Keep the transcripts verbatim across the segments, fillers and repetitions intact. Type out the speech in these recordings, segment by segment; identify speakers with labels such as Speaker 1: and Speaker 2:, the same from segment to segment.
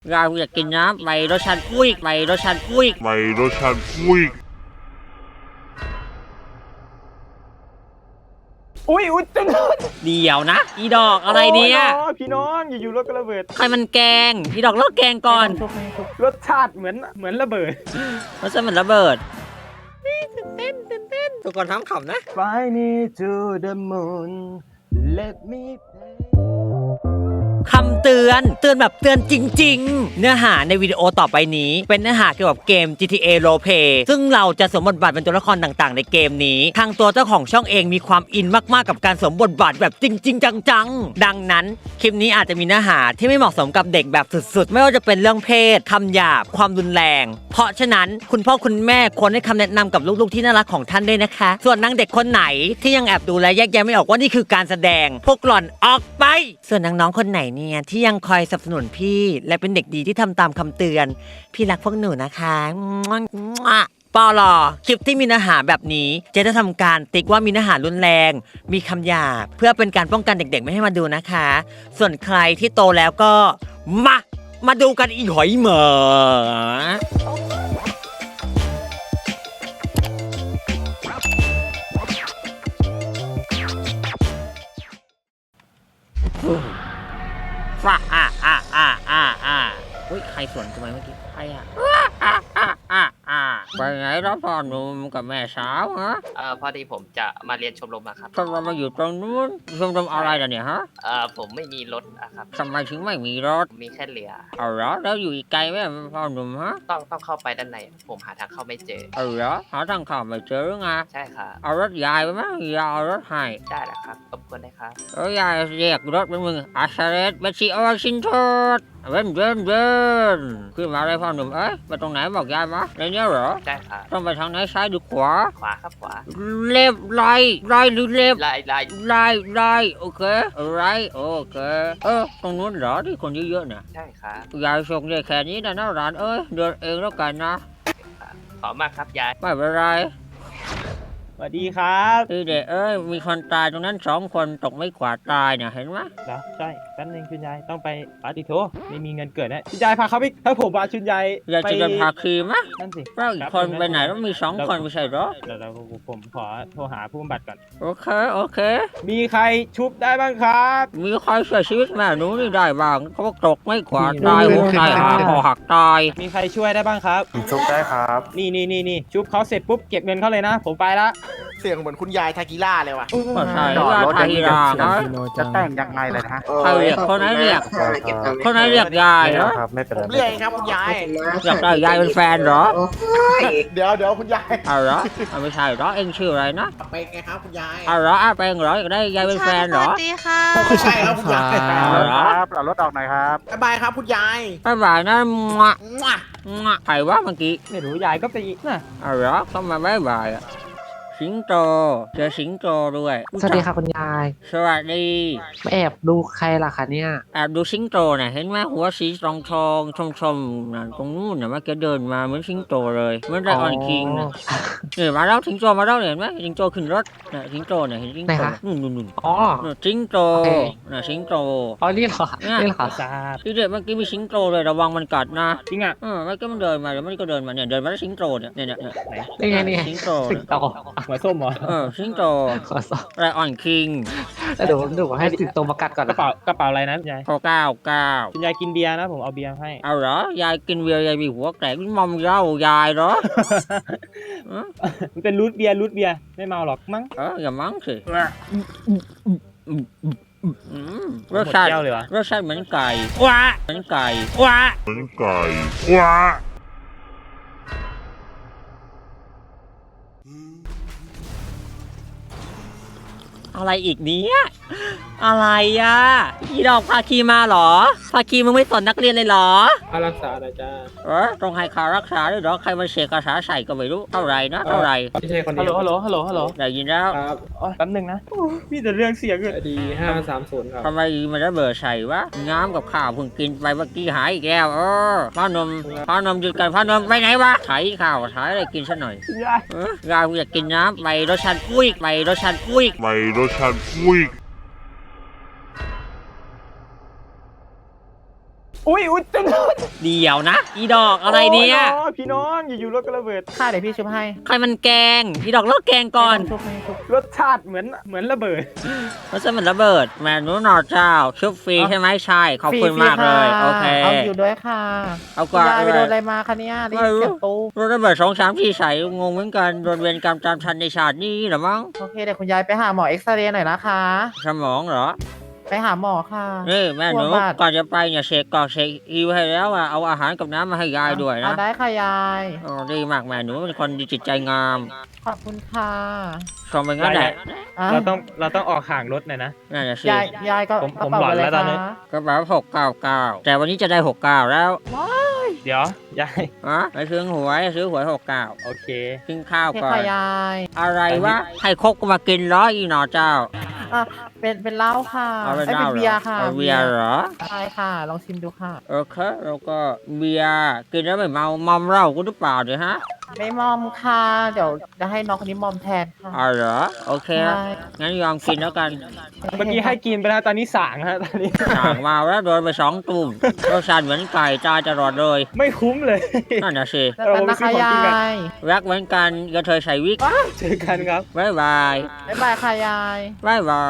Speaker 1: เราอยากกินน้ำไปรสชาติกุ้ยไปรสชาติกุ้ย
Speaker 2: ไปรสชาติกุ้ย
Speaker 3: อุ้ยอุ้ยเต้น
Speaker 1: เดี๋ยวนะอีดอกอะไรเนี่ย
Speaker 3: พี่น้องอยู่ๆรถก็ระเบิด
Speaker 1: ใครมันแกงอีดอกเลิกแกงก่อน
Speaker 3: รสชาติเหมือนเหมือนระเบิด
Speaker 1: รสชาติเหมือนระเบิดตื่นเต้นตื่นเต้นทุกคนทำขำนะ
Speaker 3: Fly me to the moon Let me play
Speaker 1: คำเตือนเตือนแบบเตือนจริงๆเนื้อหาในวิดีโอต่อไปนี้เป็นเนื้อหาเกี่ยวกับเกม จี ที เอ Roleplay ซึ่งเราจะสวมบทบาทเป็นตัวละครต่างๆในเกมนี้ทางตัวเจ้าของช่องเองมีความอินมากๆกับการสวมบทบาทแบบจริงๆจังๆดังนั้นคลิปนี้อาจจะมีเนื้อหาที่ไม่เหมาะสมกับเด็กแบบสุดๆไม่ว่าจะเป็นเรื่องเพศคำหยาบความรุนแรงเพราะฉะนั้นคุณพ่อคุณแม่ควรให้คำแนะนำกับลูกๆที่น่ารักของท่านด้วยนะคะส่วนนางเด็กคนไหนที่ยังแอบดูและแยกแยะไม่ออกว่านี่คือการแสดงพวกหล่อนออกไปส่วนน้องๆคนไหนเนี่ยที่ยังคอยสนับสนุนพี่และเป็นเด็กดีที่ทำตามคำเตือนพี่รักพวกหนูนะคะปอลอคลิปที่มีเนื้อหาแบบนี้จะได้ทำการติ๊กว่ามีเนื้อหารุนแรงมีคำหยาบเพื่อเป็นการป้องกันเด็กๆไม่ให้มาดูนะคะส่วนใครที่โตแล้วก็มามาดูกันอีหอยเหมอฟ้าอ่าอ่าอ่าอ่าอ่าอุ้ยใครสวนทำไมเมื่อกี้ใครอ่ะอ่าอ่าอ่าอ่าไปไหนแล้วพ่อหนุ่มกับแม่สาวฮะ
Speaker 4: เอ่อพอดีผมจะมาเรียนชมรมอะครับ
Speaker 1: ชมรมมาอยู่ตรงนู้นชมรมอะไรล่ะเนี่ยฮะ
Speaker 4: เอ่อผมไม่มีรถอะครับ
Speaker 1: ทำไมถึงไม่มีรถ
Speaker 4: ผมมีแค่เรือ
Speaker 1: เอาเหรอแล้วอยู่อีกไกลไหมพ่อหนุ่มฮะ
Speaker 4: ต้องต้องเข้าไปด้านในผมหาทางเข้าไม่เจอ
Speaker 1: เอาเหรอหาทางเข้าไม่เจอหรือไง
Speaker 4: ใช่ครับ
Speaker 1: เอารถยายไปไหมยายเอารถให้
Speaker 4: ได้แหละครับรบกวนได้ครับ
Speaker 1: เออยายเรียกรถเป็นมึงอาชาเรสเบชิโอชินโทดเว้นเว้นเว้นขึ้นมาเลยพ่อหนุ่มเอ้ยไปตรงไหนบอกยายมาในนี้เหรอ
Speaker 4: ได้ครับ
Speaker 1: ต้องไปทางไหนซ้ายหรือขวา
Speaker 4: ขวาครับขวา
Speaker 1: เล็บไล่ไล่หรือเล็บ
Speaker 4: ไล่ไล่
Speaker 1: ไล่ไล่โอเคไรโอเคเออตรงนู้นเหรอที่คนเยอะๆเนี่ย
Speaker 4: ใช่ครับ
Speaker 1: ยายส่งได้แค่นี้นะนะร้านเอ้ยเดินเองแล้วกันนะ
Speaker 4: ขอมากครับยาย
Speaker 1: ไม่เป็นไร
Speaker 3: สวัสดีครับ
Speaker 1: พี่เด็กเอ้ยมีคนตายตรงนั้นสองคนตกไม่ขวาตายเนี่ยเห็นไหม
Speaker 3: เหรอใช่แป๊บนึงคุณยายต้องไปปาติโถไม่มีเงินเกิดนะคุณยายพาเขาไปถ้าผมพาคุณยาย
Speaker 1: อยากจะเดินพาคีมะ
Speaker 3: นั่นสิ
Speaker 1: แล้วอีกคนไปไหนแล้วมีสองคนไม่ใช่หรอ
Speaker 3: เดี๋ยวผมขอโทรหาผู้บำบัดก่อน
Speaker 1: โอเคโอเค
Speaker 3: มีใครชุบได้บ้างครับ
Speaker 1: มีใครช่วยชีวิตแม่หนูนี่ได้บ้างเขาตกไม่ขวาตายหัวใจหาคอหักตาย
Speaker 3: มีใครช่วยได้บ้างครับ
Speaker 5: ชุบได้ครับ
Speaker 3: นี่นี่นี่นี่ชุบเขาเสร็จปุ๊บเก็บเงินเขาเลยนะผมไปละ
Speaker 5: เสียงเหมือนคุณยายทากิล่าเลยว่ะ
Speaker 1: ใช่ยายทากิล่านะ
Speaker 5: จะแต่งยังไงเลยนะ
Speaker 1: ใครเรียกคนไหนเรียกคนไหนเรียกยายเหรอ
Speaker 5: ผมเรียกครับคุณยาย
Speaker 1: อยากได้ยายเป็นแฟนเหรอ
Speaker 5: เดี๋ยวเดี๋ยวคุณยาย
Speaker 1: เอาเหรอไม่ใช่เหรอเอ็งชื่ออะไรนะ
Speaker 5: ไปไงครับคุณยาย
Speaker 1: เอาเหรออาเป็งเหรออยากได้ยายเป็นแฟนเหรอ
Speaker 6: สวัสดีค่ะ
Speaker 5: ไม่ใช่ครับคุณยาย
Speaker 1: ครับ
Speaker 5: เอารถออกหน่อยครับบ๊ายบายครับคุณยาย
Speaker 1: บ๊ายบายนะมะมะใครวะเมื่อกี้
Speaker 3: ไม่รู้ยายก็ไปอีกนะ
Speaker 1: เอาเหรอเข้ามาบ๊ายบายอ่ะสิงโตเจอสิงโตด้วย
Speaker 7: สวัสดีค่ะคุณยาย
Speaker 1: สวัสดี
Speaker 7: มาแอบดูใครล่ะคะเนี่ย
Speaker 1: แอบดูสิงโตน่ะเห็นไหมหัวสีทองทองชมชมน่ะตรงนู้นน่ะเมื่อกี้เดินมาเหมือนสิงโตเลยเหมือนไดออนคิงน่ะเนี่ยมาแล้วสิงโตมาแล้วเห็นไหมสิงโตขึ้นรถน่ะสิงโตน่ะเห็นสิงโตนู่นนู่นนู่น
Speaker 7: อ๋อ
Speaker 1: สิงโตน่ะสิงโต
Speaker 7: อ๋อนี่เหรอนี่เหรอ
Speaker 1: ที่เด็กเมื่อกี้มีสิงโตเลยระวังมันกัดนะ
Speaker 3: จริงอ่ะ
Speaker 1: เออเมื่อกี้มันเดินมาแล้วมันก็เดินมาเนี่ยเดินมาแล้วสิงโตเนี่ยเนี่ยเนี่ย
Speaker 7: นี่ไงนี่
Speaker 1: สิงโต
Speaker 7: สิงโต
Speaker 3: หัวส้มเหรอ
Speaker 1: เออสิงโตไรออนคิง
Speaker 7: เดี๋ยวเดี๋ยวให้สิงโตมากัดก่อน
Speaker 3: กระเป๋ากระเป๋าอะไรนะยาย
Speaker 1: เก้าเก้า
Speaker 3: คุณยายกินเบียร์นะผมเอาเบียร์ให้
Speaker 1: เอาเหรอยายกินเบียร์ยายมีหัวแตกมอมเหล้ายายเหรอ
Speaker 3: มันเป็นรูทเบียร์รูทเบียร์ไม่เมาหรอกมั้ง
Speaker 1: เอออย่ามั้งสิรสชาติรสชาติเหมือนไก่ว้าเหมือนไก่ว้า
Speaker 2: เหมือนไก่ว้า
Speaker 1: อะไรอีกเนี้ยอะไรอ่ะอีดอกพาคีมาเหรอพาคีมึงไม่สอนนักเรียนเลยเหรอ
Speaker 3: ค่ารักษานะจ้า
Speaker 1: เออต้องให้ค่ารักษาด้วยเหรอใครมาเสกคาถาใส่ก็ไม่รู้เท่าไรนะเท่าไร
Speaker 3: ไม่ใช่คนเดียวฮัลโหลฮัลโหลฮัลโหล
Speaker 1: ได้ยินแล้ว
Speaker 3: ครับอ๋อแป๊บนึงนะมีแต่เรื่องเสียงเลยดีห้าสามศูนย์ครับ
Speaker 1: ทำไมมันได้เบอร์ใส่วะน้ำกับข้าวเพิ่งกินไปเมื่อกี้หายอีกแล้วเออพ่อนมพ่อนมหยุดกันพ่อนมไปไหนวะไถข้าวไถอะไรกินซะหน่อยเออยายอยากกินน้ำไปรสชาติกุ้ยไปรสชาติกุ้ย
Speaker 2: ไปรสชาติกุ้ย
Speaker 3: อุ้อุ้ยอุ้ยเต็มรถ
Speaker 1: เดี๋ยวนะ อีดอกอะไรเนี่ย
Speaker 3: โอ้พี่น้องอยู่ๆรถก็ระเบิด
Speaker 5: ค่ะเดี๋ยวพี่ชุบให้
Speaker 1: ใครมันแกง อีดอกเลิกแกงก่อน
Speaker 5: ชุบให้ชุบ
Speaker 3: รสชาติเหมือนเหมือนระเบิด
Speaker 1: เพราะฉะนั้นมันระเบิดแมนูนอเจ้าชุบฟรีใช่ไหมใช่ขอบคุณมากเลย โอเค
Speaker 5: เอาอยู่ด้วยค่ะ
Speaker 1: เอา
Speaker 5: คุ
Speaker 1: ก่
Speaker 5: ณ
Speaker 1: อน
Speaker 5: ยายไป
Speaker 1: เล
Speaker 5: โด
Speaker 1: ย
Speaker 5: นอะไรมาคะเนี่ยได้
Speaker 1: ไม่
Speaker 5: ยิน
Speaker 1: รู้
Speaker 5: เสียงตู้
Speaker 1: รถระเบิดสองสามที่ใสงงเหมือนกันโดนเวรกรรมตามทันในชาตินี้เหรอมั้ง
Speaker 5: โอเคเดี๋ยวคุณยายไปหาหมอเอ็กซเรย์หน่อยนะคะ
Speaker 1: สมองเหรอ
Speaker 5: ไปหาหมอค่ะ
Speaker 1: นี่แม่หนู
Speaker 5: กลัวบาด
Speaker 1: ก่อนจะไปเนี่ยเช็คก่อนเช็คอิวให้แล้วอ่ะเอาอาหารกับน้ำมาให้ยายด้วย
Speaker 5: เอา
Speaker 1: นะ
Speaker 5: ได้ค่ะยาย
Speaker 1: โอ้ดีมากแม่หนูเป็นคนดีจิตใจงาม
Speaker 5: ขอบคุณค่ะ
Speaker 1: ชมไปงั้นแหละ
Speaker 5: อ่ะ
Speaker 3: เราต้องเราต้องออกห่างรถหน่อยนะ
Speaker 1: นั่นแหละสิ
Speaker 5: ยายยายก็
Speaker 3: ผม
Speaker 5: กระ
Speaker 3: ผม
Speaker 5: เป๋า
Speaker 3: หลอน
Speaker 5: อะไร
Speaker 3: แล้วตอนนี้
Speaker 5: คะ
Speaker 1: กระเป๋าหกเก้าเก้าแต่วันนี้จะได้หกเก้าแล้ว
Speaker 3: เดี๋ยวยาย
Speaker 1: ฮะไปซื้อหวยซื้อหวยหกเก้า
Speaker 3: โอเค
Speaker 1: กินข้าว
Speaker 5: โอเค
Speaker 1: ก่อน
Speaker 5: ค่ะยาย
Speaker 1: อะไรวะให้คกมากินเหร้ออีหนอเจ้า
Speaker 5: อ่ะเป็นเป็นเหล้าค่ะ
Speaker 1: เอาไป
Speaker 5: อ้ย
Speaker 1: เล่า
Speaker 5: เป็น
Speaker 1: เหร
Speaker 5: เบีย
Speaker 1: อ
Speaker 5: ร์ค่ะ
Speaker 1: เอาเบียร์เหรอ
Speaker 5: ใช่ค่ะ ลองชิมดูค่ะ
Speaker 1: โอเคแล้วก็เบียร์กินแล้วไม่เมามอมเหล้ากูหรือเปล่าเดี๋ยวฮะ
Speaker 5: ไม่มอมค่ะ เดี๋ยวจะให้น้องคนนี้มอมแทนค่ะ
Speaker 1: อ๋อเหรอโอเค
Speaker 5: ใช่
Speaker 1: งั้นยอมกินแล้วกัน
Speaker 3: เมื่อกี้ให้กินไปแล้วตอนนี้สางฮะตอนนี้
Speaker 1: สั่งมาแล้วโดนไปสองตุ่มรสชาติเหมือนไก่จ้าจะรอดเลย
Speaker 3: ไม่คุ้มเลย
Speaker 1: นั่นน่ะสิ
Speaker 5: แล้วกันนะคะยาย
Speaker 1: แวกเหมือนกันกระเทยใส่วิก
Speaker 3: เจอกันครับ
Speaker 1: บายบาย
Speaker 5: บ๊ายบายค่ะยาย
Speaker 1: บายบาย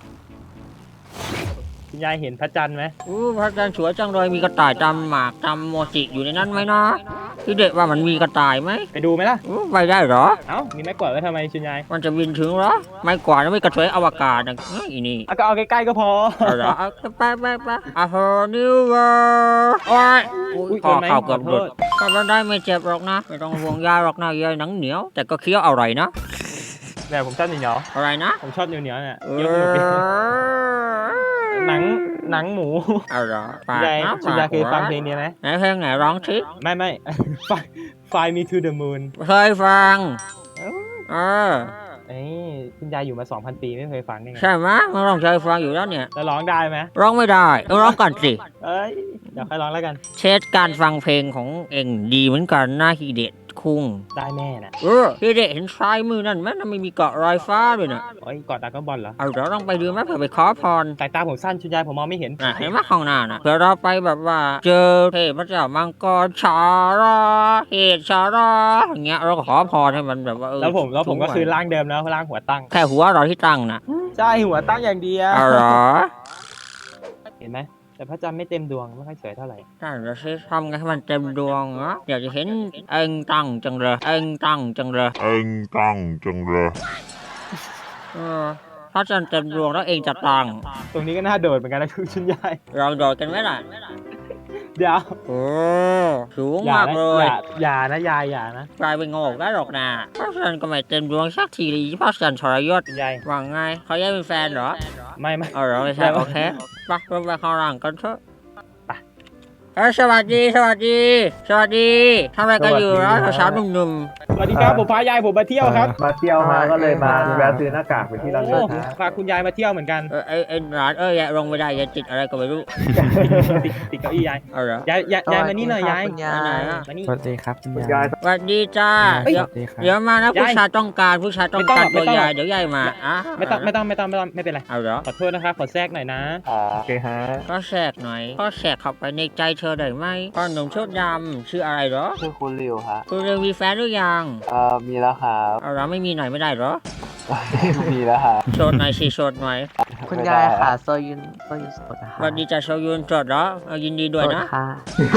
Speaker 3: คุณยายเห็นพระจันทร์ไหม
Speaker 1: อู้พระจันทร์สวยจังเลยมีกระต่ายจำหมากจำโมจิอยู่ในนั้นไหมนะพี่เด็กว่ามันมีกระต่ายไหม
Speaker 3: ไปดูไหมล่ะ
Speaker 1: อู้ไปได้เหรอ
Speaker 3: เอ้ามีไม้กวาดไว้ทำไมคุณยาย
Speaker 1: มันจะบินถึงเหรอ ไม่กว่าดแล้วไม่กระเทยอวกาศนะเอ้ยอีนี่
Speaker 3: อ่ะก็เอาใกล้ๆก็พอ
Speaker 1: เอาเหรอเอาไปไปไปอะโหนิวเวอร์โอ้ย
Speaker 3: อุ๊ย
Speaker 1: พอ
Speaker 3: โดนไหม
Speaker 1: เข่าเกือบหลุด
Speaker 3: ขอโทษ
Speaker 1: ก็ไม่ได้ไม่เจ็บหรอกนะ ไม่ต้องห่วงยาหรอกนะยายหนังเหนียว แต่ก็เคี้ยวอร่อยนะ
Speaker 3: แต่ผมชอบเหนียว
Speaker 1: อะไรนะ
Speaker 3: ๆผมชอบเหนียวๆเนี่ย
Speaker 1: เอ
Speaker 3: เคี้ยวสนุกดีหนังหนังหมู
Speaker 1: เอาเหรอ
Speaker 3: คุ
Speaker 1: ปา
Speaker 3: ณ
Speaker 1: ก
Speaker 3: ยาย
Speaker 1: นะ
Speaker 3: คุณ
Speaker 1: ปาย
Speaker 3: าย
Speaker 1: ก
Speaker 3: เคยฟังเพลงนี้ไหม
Speaker 1: ไหนเพลงไหนร้องชิ
Speaker 3: ไม่ไม่ Fly Fly Me to the Moon
Speaker 1: เคยฟังเออ
Speaker 3: เอ้ยคุณยายอยู่มา สองพัน ปีไม่เคยฟังได้ไง
Speaker 1: ใช่ไหมยมันร้องเคยฟังอยู่แล้วเนี่ย
Speaker 3: แล้วร้องได้ไหม
Speaker 1: ร้องไม่ได้ต้องร้องก่อนสิ
Speaker 3: เอ้ยเดี๋ยวค่อยร้องแล้วกัน
Speaker 1: เชสการฟังเพลงของเองดีเหมือนกันนะฮีเดตคุง
Speaker 3: ได้แม่น่ะ
Speaker 1: เออฮีเดตเห็นซ้ายมือนั่นไหมนั่นไม่มีเกาะรอยฟ้าด้วยนะ
Speaker 3: โอ้ยกอดดราก้อนบอลเหรอ
Speaker 1: เอาเดี๋ยวต้องไปดูไหมเผื่อไปขอพร
Speaker 3: สายตาผมสั้นคุณยายผมมองไม่เห็น
Speaker 1: อ่ะเห็นไหมข้างหน้าน่ะเผื่อเราไปแบบว่า เจอเทพเจ้ามังกรชาราเหตุชาราอย่างเงี้ยเราก็ขอพรให้มันแบบว่าเออ
Speaker 3: แล้วผมแล้วผมก็
Speaker 1: สูง
Speaker 3: คือ
Speaker 1: ไว้
Speaker 3: ร่างเดิมแล้วร่างหัวตั้ง
Speaker 1: แค่หัวเราที่ตั้งน่ะ
Speaker 3: ใช่หัวตั้งอย่างเดียว
Speaker 1: เอาเหรอ
Speaker 3: เห็นไหมแต่พระจันทร์ไม่เต็มดวงไม่ค่อยสวยเท่าไหร่
Speaker 1: นั่นเราใช้ทำไงให้มันเต็มดวงเหรออยากจะเห็นเองตั้งจังเลยเองตั้งจังเลย
Speaker 2: เอ็งตั้งจังเลย
Speaker 1: เออถ้าจันเต็มดวงแล้วเองจะตั้ง
Speaker 3: ตรงนี้ก็น่าโดดเหมือนกันนะคุณยาย
Speaker 1: เราโดดกันไหมล่ะ
Speaker 3: เดี๋ยว
Speaker 1: โอ้สูง
Speaker 3: อย่าม
Speaker 1: าก
Speaker 3: นะ
Speaker 1: เล
Speaker 3: อย ย่าอย่านะยายอย่านะ
Speaker 1: กลายเป็นโงกได้หรอกนะเพราะฉันก็ไม่เต็มดวงสักทีเลยเพราะฉันทรยศ
Speaker 3: คุณยาย
Speaker 1: ว่าไงเขาแยกเป็นแฟนเหรอ
Speaker 3: ไม่ไม่
Speaker 1: เอาเหรอไม่ใช่
Speaker 3: ไม่
Speaker 1: โอเคไปเราไปข้างหลังกันเถอะเอ้ยสวัสดีสวัสดี สวัสดีทำอะไรกันอยู่แล้วสาวๆหนุ่ม
Speaker 3: สวัสดีครับผมพายายผมมาเที่ยวครับ
Speaker 6: มาเที่ยวมาก็เลยมาแวะซื้อหน้ากากไปที่ร้าน
Speaker 3: โอ้
Speaker 6: เสื้อผ้า
Speaker 3: พาคุณยายมาเที่ยวเหมือนกัน
Speaker 1: ๆเออไอ้ไอ้หลานเอ้ยอย่าลงไม่ได้อย่าติดอะไรก็ไม่รู้
Speaker 3: ติดติดเก้าอี้ยาย
Speaker 1: เอาเหรอย
Speaker 3: ายยายยายมานี่หน่อยยาย
Speaker 1: ไปไหนอะ
Speaker 3: มานี่
Speaker 6: สวัสดีครับคุณ
Speaker 5: คุณ
Speaker 6: ยาย
Speaker 5: าย
Speaker 1: สวัสดีจ้า
Speaker 3: เอ้ย
Speaker 1: เดี๋ยว
Speaker 6: สวัสดีครับ
Speaker 1: เดี๋ยวมานะ
Speaker 3: ยาย
Speaker 1: ผู้ชายต้องการผู้ชายต้องการ
Speaker 3: ไม่
Speaker 1: ตัว
Speaker 3: ต้อง
Speaker 1: ใหญ่
Speaker 3: ไม่ต้อง
Speaker 1: เดี๋ยวยายมาอ่ะ
Speaker 3: ไม่ต้องไม่ต้องไม่ต้องไม่ต้องไม่เป็นไร
Speaker 1: เอาเหรอ
Speaker 3: ขอโทษนะครับขอแทรกหน่อยนะ
Speaker 6: โอเคฮะ
Speaker 1: ก็แทรกหน่อยก็แทรกเข้าไปในใจเธอได้ไหมพ่อหนุ่มชุดดำชื่ออะไรเหรอ
Speaker 8: ชื่อคุณริวฮะ
Speaker 1: คุณเรียนมีแฟนหรือยัง
Speaker 8: เอ่อ มีแล้วครับ
Speaker 1: เอาเหรอไม่มีหน่อยไม่ได้เหรอ
Speaker 8: มีแล้วครับ
Speaker 1: โสดหน่อยสิโสดหน่อย
Speaker 7: คุณยายค่ะโซยุนโซยุนสดนะ
Speaker 1: ส
Speaker 7: คะ
Speaker 1: วัสดีจ้าโชยุนโสดเหรอเอายินดีด้วย
Speaker 7: สด
Speaker 1: นะ
Speaker 7: ค่ะ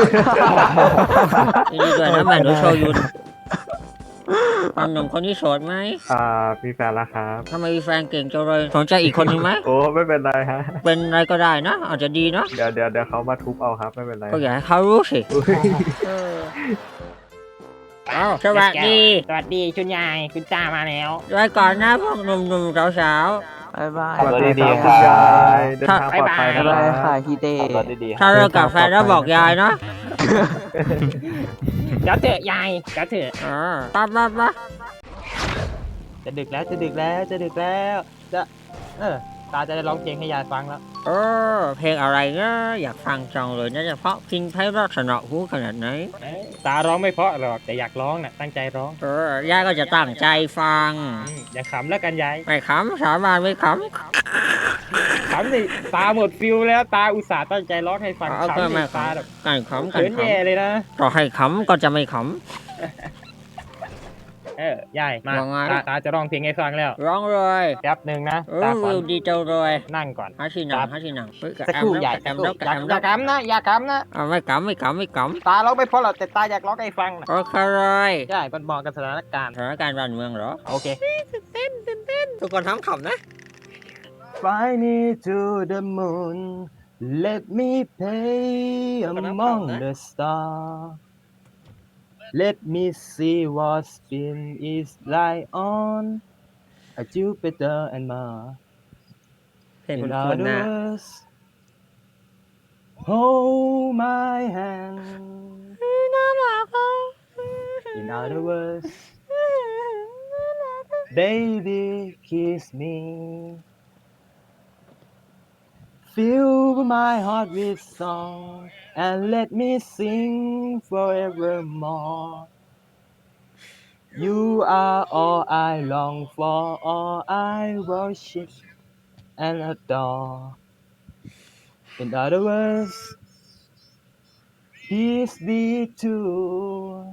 Speaker 1: ยินดีด้วยนะแม่หนูโชยุนพ่อหนุ่มคนนี้โสดไหม
Speaker 6: อ่ามีแฟนแล้วครับ
Speaker 1: ทำไมมีแฟนเก่งจังเลยสนใจอีกคนนึงไหม
Speaker 6: โอ้ไม่เป็นไรฮะ
Speaker 1: เป็นอะไรก็ได้นะอาจจะดีนะ
Speaker 6: เดี๋ยวเดี๋ยวเดี๋ยวเขามาทุบเอาครับไม่เป็นไร
Speaker 1: ก็อยากให้เขารู้สิ
Speaker 6: อุ๊ย
Speaker 1: เออเอาสวัสดี
Speaker 3: สวัสดีคุณยายคุณจ้ามาแล้ว
Speaker 1: ไว้ก่อนนะพวกหนุ่มๆสาว
Speaker 7: บ๊ายบาย
Speaker 6: สวัสดี
Speaker 8: ดี
Speaker 6: ค
Speaker 8: ครั
Speaker 6: รับบ คุณยายเดินทางปลอดภัยนะ
Speaker 7: บ๊าย
Speaker 6: ค
Speaker 7: บาย
Speaker 6: รับ
Speaker 7: ค่ะฮิเด
Speaker 8: ขับรถดีๆ
Speaker 1: ๆ
Speaker 8: ค
Speaker 1: ถ้า
Speaker 8: รับ
Speaker 1: เลิกกับแฟนแล้วบอกยายนะ
Speaker 3: เดี๋ยวเถอะยายเดี๋ยวเถอะ
Speaker 1: เออไป้าป้า
Speaker 3: จะดึกแล้วจะดึกแล้วจะดึกแล้วจะเออตาจะได้ร้องเพลงให้ยายฟังแล้ว
Speaker 1: เออเพลงอะไรนะอยากฟังจังเลยนะเฉพาะพิงไพเราะสนอหูขนาดไหน
Speaker 3: เอ้ยตาร้องไม่เพราะหรอกแต่อยากร้องน่ะตั้งใจร้อง
Speaker 1: เออยายก็จะตั้งใจฟัง
Speaker 3: อืมอย่าขำแล้วกันยาย
Speaker 1: ไม่ขำสาบานไม่ข
Speaker 3: ขำสิตาหมดฟิลแล้วตาอุตส่าห์ตั้งใจร้องให้ฟัง
Speaker 1: ำเอา
Speaker 3: ขำ
Speaker 1: ก็
Speaker 3: สิ
Speaker 1: ไม่ข
Speaker 3: ตาแบบ
Speaker 1: ำกันขำกัน
Speaker 3: เขิน
Speaker 1: ข
Speaker 3: แย่เลยนะ
Speaker 1: ำก็ให้ขำก็จะไม่ข
Speaker 3: เออยายมา
Speaker 1: ว่าไง
Speaker 3: ตาตาจะร้องเพลงให้ฟังแล้ว
Speaker 1: ำร้องเลย
Speaker 3: แป๊บหนึ่งนะ
Speaker 1: เอ
Speaker 3: ตา
Speaker 1: อ
Speaker 3: ขอ
Speaker 1: วิวดีจังเลย
Speaker 3: นั่งก่อน
Speaker 1: หาที่นั่
Speaker 3: ครั
Speaker 1: ง
Speaker 3: บ
Speaker 1: หาที่นั่งเฮ้ยกะ
Speaker 3: สัก
Speaker 1: แอ
Speaker 3: ค
Speaker 1: ม
Speaker 3: รู่
Speaker 1: แล้ว
Speaker 3: ใหญ่
Speaker 1: กะแอมแล้วกะ
Speaker 3: อ
Speaker 1: แอม
Speaker 3: ย่า
Speaker 1: แล้ว
Speaker 3: ขำนะอย่าขำนะ
Speaker 1: เอาไม่ขำไม่ขำไม่ข
Speaker 3: ตาร้องไม่เพราะหรอกแต่ตาอยากร้องให้ฟังนะ
Speaker 1: ำโอเคเลย
Speaker 3: ใช่มันเหมาะกับสถานการณ์
Speaker 1: สถานการณ์บ้านเมืองเหรอ
Speaker 3: โอเค
Speaker 1: ทุกคนทำขำนะ
Speaker 3: Fly me to the moon let me play among the stars let me see what spin is like on a Jupiter and Mars
Speaker 1: เพลงคุ
Speaker 3: In
Speaker 1: ณคุณ
Speaker 3: other
Speaker 1: นะ
Speaker 3: words, hold my hand. In other words, baby, kiss me. Fill my heart with song and let me sing forevermore. You are all I long for, all I worship and adore. In other words, peace be true.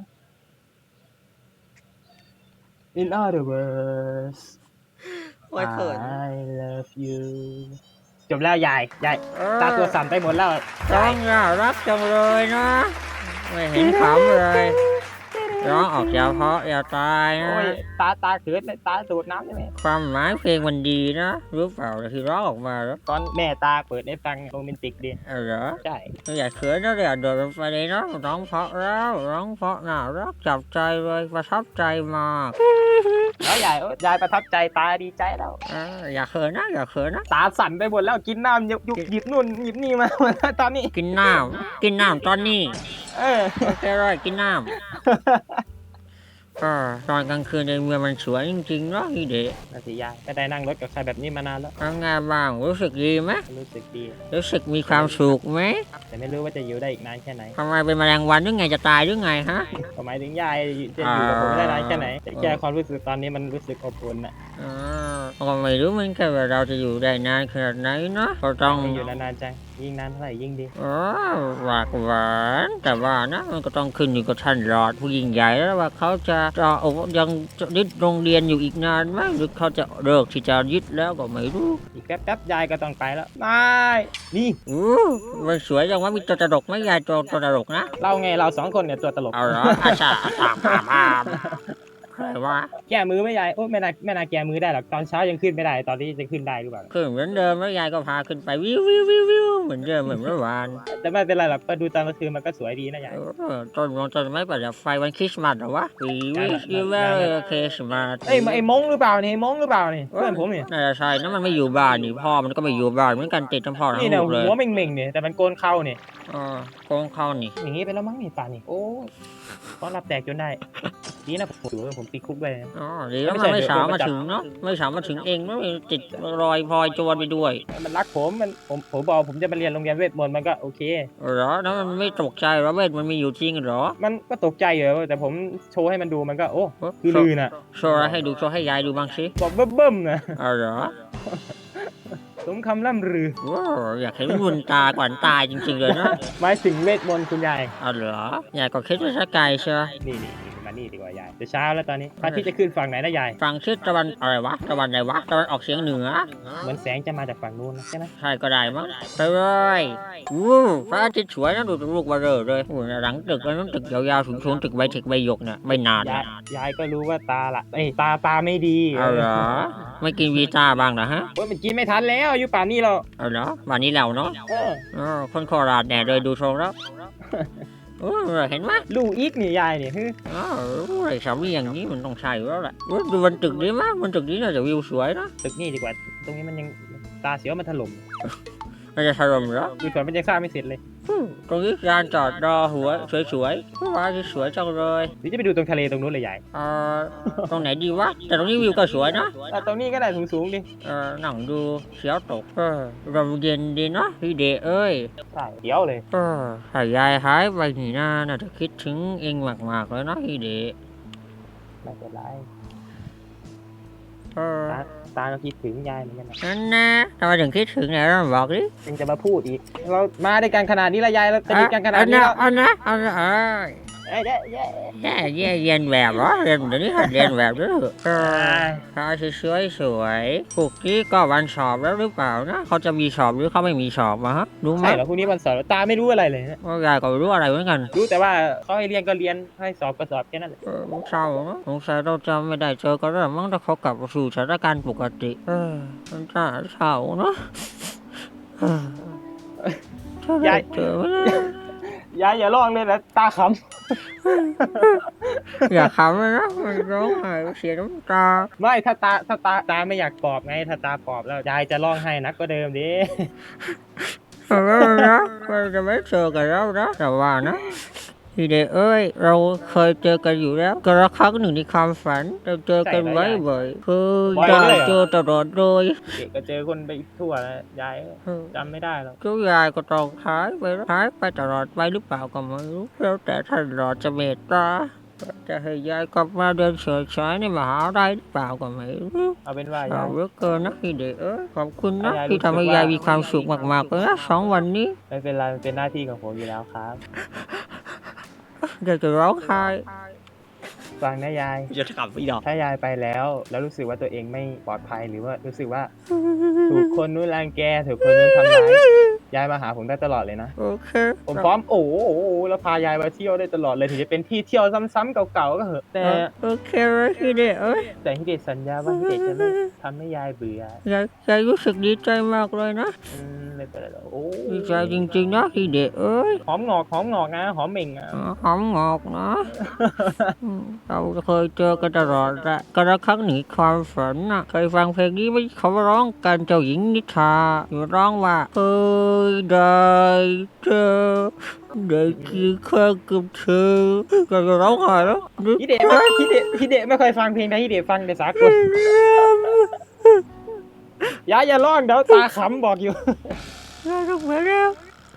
Speaker 3: In other words,
Speaker 1: โอ้ยเขิน
Speaker 3: I love you. จบแล้วยายยาย
Speaker 1: เออ
Speaker 3: ตาตัวสั่นไปหมดแล้ว
Speaker 1: ร้องน่ารักจังเลยนะ ไม่เห็นขำเลย ร้องออกอย่าเพราะอย่าตายนะ
Speaker 3: โอ้ยตาตาเขินเลยตาโดดน้ำใช่ไหม
Speaker 1: ความหมายเพลงมันดีนะรู้เปล่าที่ร้องออกมาแล้ว
Speaker 3: ตอนแม่ตาเปิดให้ฟังโรแมนติกดี
Speaker 1: เออเหรอ
Speaker 3: ใช่
Speaker 1: อย่าเขินนะอย่าโดดลงไปเลยนะร้องเพราะแล้วร้องเพราะน่ารักจับใจเลยประทับใจมาก
Speaker 3: แล้วยายโอ้ยยายประทับใจตาดีใจแล้ว
Speaker 1: เอออย่าเขินนะอย่าเขินนะ
Speaker 3: ตาสั่นไปหมดแล้วกินน้ำหยิบหยิบนู่นหยิบนี่มา ตอนนี้
Speaker 1: กินน้ำกินน้ำตอนนี้
Speaker 3: เออ
Speaker 1: โอเคเลยกินน้ำก็ตอนกลางคืนในเมืองมันสวยจริงๆเนาะนี่เด็ก
Speaker 3: นาสิยายไม่ได้นั่งรถกับใครแบบนี้มานานแล้ว
Speaker 1: ทำงานบ้างรู้สึกดีไหม
Speaker 3: รู้สึกดี
Speaker 1: รู้สึกมีความสุขไหม
Speaker 3: แต่ไม่รู้ว่าจะอยู่ได้อีกนานแค่ไหน
Speaker 1: ทำไมเป็นแมลงวันหรือไงจะตายหรือไงฮะ
Speaker 3: ก็หมายถึงยายจะอยู่กับผมได้นานแค่ไหนแต่แค่ความรู้สึกตอนนี้มันรู้สึกอบอุ่นอะ
Speaker 1: อ่าก็ไม่รู้เหมือนกันว่าเราจะอยู่ได้นานขนาดไหนเนาะก็ต้อง
Speaker 3: อยู่นานๆจังยิ่งนานเท่าไหร่ยิ่งดี
Speaker 1: อ๋อหวากหวานแต่ว่านะมันก็ต้องขึ้นอยู่กับท่านหลอดผู้ยิ่งใหญ่แล้วว่าเขาจะจะเอายังจะยึดโรงเรียนอยู่อีกนานไหมหรือเขาจะเลิกที่จะยึดแล้วก็ไม่รู้
Speaker 3: อีกแป๊บๆยายก็ต้องไปแล้วนาย นี่
Speaker 1: อู้มันสวยจังว่ามีตัวตลกไหมยายตัวตัวตลกนะ
Speaker 3: เราไงเราสองคนเนี่ยตัวตลก
Speaker 1: เอาเหรออาชาตามตามตามใครว่า
Speaker 3: แก้มือไม่ยายโอ้ไม่น่าไม่น่าแก้มือได้หรอกตอนเช้ายังขึ้นไม่ได้ตอนนี้จะขึ้นได้หรือเปล่า
Speaker 1: ขึ้นเหมือนเดิมแล้วยายก็พาขึ้นไปวิววิววิววิวเหมือนเดิมเหมือนเมื่อวาน
Speaker 3: แต่ไม่เป็นไรหรอกก็ดูตอนกลางคืนมันก็สวยดีนะยาย
Speaker 1: เออต้นมงต้นไม้ประดับไฟวันคริสต์มาสเหรอวะ We wish you Merry Christmas
Speaker 3: เอ้ยไอ้มงหรือเปล่านี่ไอ้มงหรือเปล่านี่เพื่อนผมนี่
Speaker 1: น่าจะใช่นะมันไม่อยู่บ้านนี่พ่อมันก็ไม่อยู่บ้านเหมือนกันติดทั้งพ่อทั้ง
Speaker 3: นี่เนี่ย
Speaker 1: ลูกเลย
Speaker 3: หัวเม่งๆเนี่ยแต่มันโกนเข้าเนี่ย
Speaker 1: อ๋อโกงเข้านี่
Speaker 3: อย่างงี้ไปแล้วมั้งนี่ป่านนี่โอ้ต้อนรับแตกจนได้นี่นะผมถือว่าผมติดคุกไปนะ
Speaker 1: อ๋อดีแล้วมันไม่สาวมาถึงเนาะไม่สาวมาถึงเองไม่ติดรอยพลอยโจรไปด้วย
Speaker 3: มันรักผมมันผมผมบอกผมจะมาเรียนโรงเรียนเวทมนต์มันก็โอเค
Speaker 1: เหรอแล้วมันไม่ตกใจเหรอเวทมันมีอยู่จริงเหรอ
Speaker 3: มันก็ตกใจอยู่แต่ผมโชว์ให้มันดูมันก็โอ้คือ
Speaker 1: โช
Speaker 3: ลื
Speaker 1: ว์
Speaker 3: อน่ะ
Speaker 1: โชว์อะไรให้ดูโชว์ให้ยายดูบ้างสิ
Speaker 3: บอกเบิ่มๆนะ
Speaker 1: อ๋อเหรอ
Speaker 3: สมคำล่ำลือ
Speaker 1: ว้าวอยากเห็นมุนตาก่อนตายจริงๆเลยนะ
Speaker 3: หมายถึงเวทมนต์คุณยาย
Speaker 1: อ๋อเหรอยายก็คิดว่าสกายใช่ไหม
Speaker 3: นี่นี่นี่มานี่ดีกว่ายายจะเช้าแล้วตอนนี้พระอาทิตย์จะขึ้นฝั่งไหนนะยาย
Speaker 1: ฝั่งทิศตะวันอะไรวะตะวันไหนวะตะวันออกเฉียงเหนือ
Speaker 3: เหมือนแสงจะมาจากฝั่งนู้นนะใช่ไหม
Speaker 1: ใช่ก็ได้มั้งไปเลยวู้พระอาทิตย์สวยนะดูลูกบาเร่เลยโอ้ยหลังตึกแล้วนั้นตึกยาวๆสูงๆตึกใบเทคใบหยกเนี่ยไม่นาน
Speaker 3: ยาย
Speaker 1: นะ
Speaker 3: ยายก็รู้ว่าตาละเอ้ยตาตาไม่ดี
Speaker 1: เอาเหรอไม่กินวีต้าบ้างเหรอฮะ
Speaker 3: โอ้ยมันกินไม่ทันแล้วอายุป่านนี้เรา
Speaker 1: เอาเหรอวันนี้เราเนาะ
Speaker 3: เออ
Speaker 1: อ๋อคนโคราชแน่เลยดูทรงแล้วโอ้ยเห็นไหม
Speaker 3: ลูกอีกนี่ยายนี่ฮึ
Speaker 1: อ๋อไอ้สามีอย่างนี้มันต้องใช่อยู่แล้วแหละโอ้ยดูบนตึกดีมากบนตึกนี้น่าจะวิวสวยนะ
Speaker 3: ตึกนี่ดีกว่า ตรงนี้มันยังตาเสียวมันถล่ม
Speaker 1: น่าจะถล่มเหรอ
Speaker 3: ดูสวนมันยังสร้างไม่เสร็จเลย
Speaker 1: ตรงนี้ลานจอดรอหัวสวยๆว้าวสวยจังเลย
Speaker 3: หรือจะไปดูตรงทะเลตรงนู้นเลยยาย
Speaker 1: เอ่อตรงไหนดีวะแต่ตรงนี้วิวก็สวยนะ
Speaker 3: อ่ะตรงนี้ก็ได้สูงๆดิ
Speaker 1: เออหนังดูเสียวตกเออลมเย็นดีเนาะพี่เดเอ้ย
Speaker 3: ใช่เดี๋ยวเลย
Speaker 1: เออถ้ายายหายไปนี่นะน่าจะคิดถึงเองมากๆเลยนะพี่เด
Speaker 3: ไม่เป็นไร
Speaker 1: เออ
Speaker 3: ตาตาก็คิดถึงยายเหมือนกันนะ
Speaker 1: นั่นนะทำไมถึงคิดถึงเนี่ยเราบอกดิ
Speaker 3: ยังจะมาพูดอีก เรามาด้วยกันขนาดนี้ละยายเราสนิทกันขนาดนี้แล้ว
Speaker 1: อันนะอันนะเอ้ย
Speaker 3: เอ้ยเด้เย้
Speaker 1: แย่แย่เรียนแบบเหรอเรียนเดี๋ยวนี้หัดเรียนแบบด้วยเออพาสวยๆสวยๆพวกนี้ก็วันสอบแล้วหรือเปล่านะเขาจะมีสอบหรือเขาไม่มีสอบมาฮะรู้ไหม
Speaker 3: ใช่เหรอพรุ่งนี้วันสอบตาไม่รู้อะไรเลยนะ
Speaker 1: ว่ายายก็ไม่รู้อะไรเหมือนกัน
Speaker 3: รู้แต่ว่าเขาให้เรียนก็เรียนให้สอบก็สอบแค่นั้นแหละ
Speaker 1: เออเศร้าเนอะสงสัยเราจะไม่ได้เจอกันแล้วมั้งถ้าเขากลับสู่สถานการณ์ปกติเออมันน่าเศร้าเนอะเออถ้าได้เจอไหมนะ
Speaker 3: ยายอย่าร้องเลยนะตาข
Speaker 1: อย่าขำเลยนะมันร้องไห้เสียน้ำตา
Speaker 3: ำไม่ถ้าตาถ้าตาตาไม่อยากปลอบไงถ้าตาปลอบแล้วยายจะร้องให้นักก็เดิมดิ
Speaker 1: เออนะมันจะไม่เจอกันแล้วนะแต่ว่านะพี่เดชเอ้ยเราเคยเจอกันอยู่แล้วกระครั้งหนึ่งในความฝันเราเจอกันไว้บ่อยๆคือได้เจอตลอดเลย
Speaker 3: เด็กก็เจอคนไปทั่วแล้วยาย
Speaker 1: เออ
Speaker 3: จำไม่ได้หรอก
Speaker 1: เจ้ายายก็ต้องหายไปหายไปตลอดไปหรือเปล่าก็ไม่รู้แล้วแต่ท่านรอจะเมตตาจะให้ยายกลับมาเดินเฉยฉายในมหาลัยหรือเปล่าก็ไม่รู้
Speaker 3: เอาเป็นว่า
Speaker 1: เอา
Speaker 3: ยาย
Speaker 1: เหลือเกินนะพี่เด็กเอ้ยขอบคุณนะ
Speaker 3: ยายรู้
Speaker 1: ที่ทำให้
Speaker 3: สึกว่า
Speaker 1: ยายมีความสุขมากๆเลยนะสองวันนี้
Speaker 3: ไม่เป็นไรมันเป็นหน้าที่ของผมอยู่แล้วครับ
Speaker 1: เดี๋ยวจะร้องไห้
Speaker 3: ฟังนะยาย
Speaker 1: จะขับอีดอก
Speaker 3: ถ้ายายไปแล้ว แล้วรู้สึกว่าตัวเองไม่ปลอดภัยหรือว่ารู้สึกว่า ถูกคนนู้นรังแกถูกคนนู้นทำร้ายยายมาหาผมได้ตลอดเลยนะ
Speaker 1: โอเค
Speaker 3: ผมพร้อมโอ้โหโอ้โหแล้วพายายมาเที่ยวได้ตลอดเลยถึงจะเป็นที่เที่ยวซ้ำๆเก่าๆก็เหอะแต่
Speaker 1: โอเคเลยพี่เด็กเอ้ย
Speaker 3: แต่ฮิเดชสัญญาว่าฮิเดชจะไม่ทำให้ยายเบื่อย
Speaker 1: ายยายรู้สึกดีใจมากเลยนะ
Speaker 3: อืมไม่เป็นไรหรอกโอ้
Speaker 1: ดีใจจริงๆนะพี่เด็กเอ้ย
Speaker 3: หอมงอกหอมงอกนะหอมเหม่งอ่ะ
Speaker 1: อ๋อหอมงอกนะอืมเราเคยเจอกันตลอดแหละกระครั้งหนีความฝันน่ะเคยฟังเพลงนี้ไหมเขาร้องกันเจ้าหญิงนิทราอยู่ร้องว่าเคยได้เจอได้กี่ครั้งกับเธอก็จะร้องไห้แล้ว
Speaker 3: ฮิเดชไม่ฮิเดชฮิเดชไม่ค่อยฟังเพลงไทยฮิเดชฟังแต่สากลยายอย่าร้องเดี๋ยวตาขำบอกอยู่
Speaker 1: ยายต้องไปแล้ว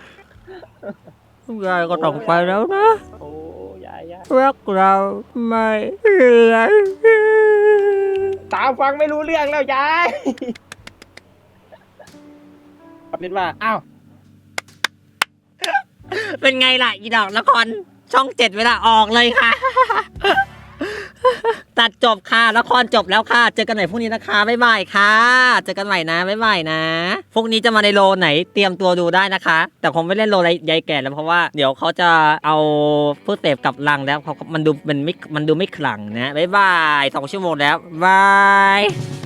Speaker 1: ยายก็ต้องไปแล้วนะ
Speaker 3: โอ้ยายยาย
Speaker 1: รักเราไม่เหลือ
Speaker 3: ตาฟังไม่รู้เรื่องแล้วยายเอาเป็นว่าอ้าว
Speaker 1: เป็นไงล่ะอีดอกละครช่องเจ็ดเวลาออกเลยค่ะ ตัดจบค่ะละครจบแล้วค่ะ เจอกันใหม่พรุ่งนี้นะคะบ๊ายบายค่ะ เจอกันใหม่นะบ๊ายบายนะพรุ่งนี้จะมาในโลไหนเตรียมตัวดูได้นะคะ แต่คงไม่เล่นโลยายแก่แล้วเพราะว่าเดี๋ยวเขาจะเอาผู้เสพกลับลังแล้วเขามันดูมันไม่มันดูไม่ขลังนะบ๊ายบายสองชั่วโมงแล้วบาย